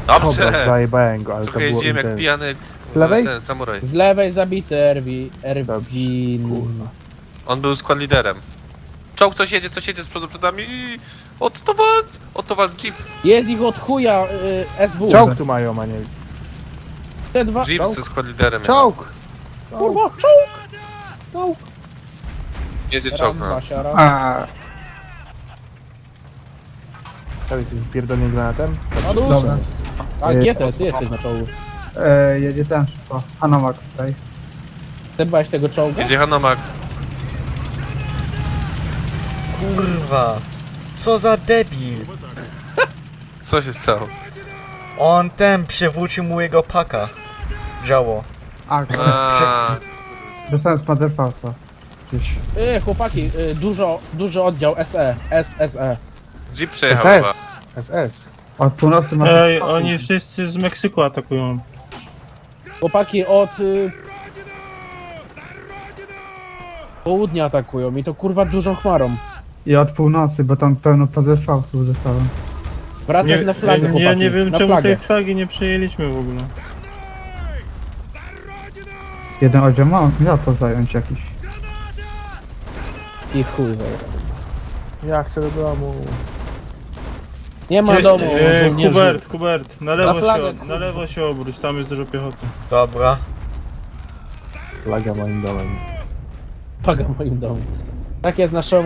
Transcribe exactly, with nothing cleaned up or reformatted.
Dobrze! Dobra, zajebałem go, ale Trochę to było jeździłem jak intens. pijany Z lewej? ten samuraj. Z lewej zabity Erwi... Erwin... Kurwa. On był skład liderem. Czołg, ktoś jedzie, ktoś jedzie z przodu przed nami. Otto walc! Otto walc, jeep. Jest ich od chuja y, S W. Czołg tu mają, a nie... Te dwa... Jeep Czołg? ze skład liderem. Czołg! Kurwa, czołg! Czołg! Jedzie czołg na Ramba, nas. siara. A, Dawaj tym pierdolnym granatem. A dobra. duszę. A G T, ty jesteś na czołgu. E, jedzie ten szybko. Hanomak tutaj. Ty byłeś tego czołga? Jedzie Hanomak. Kurwa. Co za debil. Co się stało? On ten przewrócił mu jego paka. Działo. A, Aaaa. dostałem z Panzerfausta. Gdzieś. Y, chłopaki, y, dużo, duży oddział S E. S S E. Jeep przejechał chyba. S S. S S. Od północy ma... Ej, oni wszyscy z Meksyku atakują. Chłopaki od... Y, południa atakują i to kurwa dużą chmarą. I od północy, bo tam pełno Panzerfaustów dostałem. Wracać na flagę, ja, chłopaki. ja nie wiem na czemu flagę. tej flagi nie przejęliśmy w ogóle. Jeden oddział ma, miał to zająć jakiś. I chuj zajebał. Ja chcę do domu. Nie ma Nie, domu, e, żołnierzy. Hubert, Hubert, na lewo, Na flagę, się, na kurwa. lewo się obróć, tam jest dużo piechoty. Dobra. Flaga moim domem. Paga moim domu. Tak jest naszą